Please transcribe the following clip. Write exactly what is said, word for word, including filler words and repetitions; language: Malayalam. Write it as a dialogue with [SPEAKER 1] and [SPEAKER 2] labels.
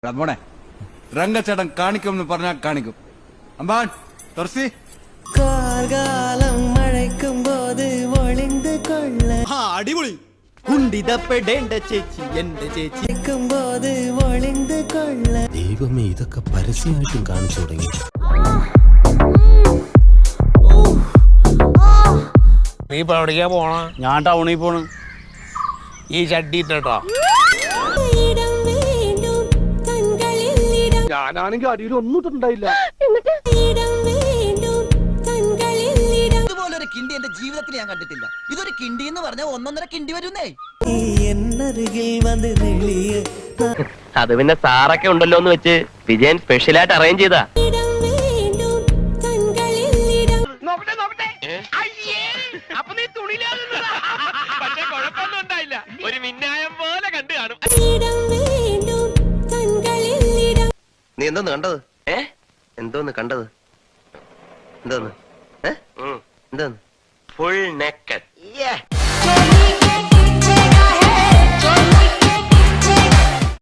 [SPEAKER 1] മോനെ രംഗച്ചേട്ടൻ കാണിക്കുമെന്ന് പറഞ്ഞാൽ കാണിക്കും. അമ്പാൻ തുറസി
[SPEAKER 2] കാർകാലം മഴയ്ക്കും പോത് ഒളിந்து കൊള്ള
[SPEAKER 3] അടിപൊളി കുണ്ടിതപ്പെടേണ്ട ചേച്ചി എന്റെ ചേച്ചി
[SPEAKER 2] പോത് ഒളിந்து കൊള്ള.
[SPEAKER 4] ദൈവമേ, ഇതൊക്കെ പരസ്യമായിട്ടും കാണിച്ചു തുടങ്ങി.
[SPEAKER 5] നീ ഇപ്പൊ എവിടേക്കാ പോണ?
[SPEAKER 3] ഞാൻ ടൗണിൽ പോണു.
[SPEAKER 5] ഈ ചട്ടി ഇട്ടോ.
[SPEAKER 3] ഞാനാണെങ്കിൽ അടിയിൽ ഒന്നും ഇട്ടുണ്ടായില്ല.
[SPEAKER 6] ഇതുപോലൊരു കിണ്ടി എന്റെ ജീവിതത്തിൽ ഞാൻ കണ്ടിട്ടില്ല. ഇതൊരു കിണ്ടി എന്ന് പറഞ്ഞാൽ ഒന്നൊന്നര കിണ്ടി വരുന്നേ.
[SPEAKER 2] എന്നരികിൽ വന്ന് നെളിയ
[SPEAKER 7] അത് പിന്നെ സാറൊക്കെ ഉണ്ടല്ലോ എന്ന് വെച്ച് വിജയൻ സ്പെഷ്യലായിട്ട് അറേഞ്ച് ചെയ്താ. ഒരു മിന്നായം പോലെ കണ്ടു കാണും. നീ എന്തോന്ന് കണ്ടത്? ഏ എന്തോന്ന് കണ്ടത്? എന്തോന്ന്? ഏ എന്തോന്ന്? Full naked.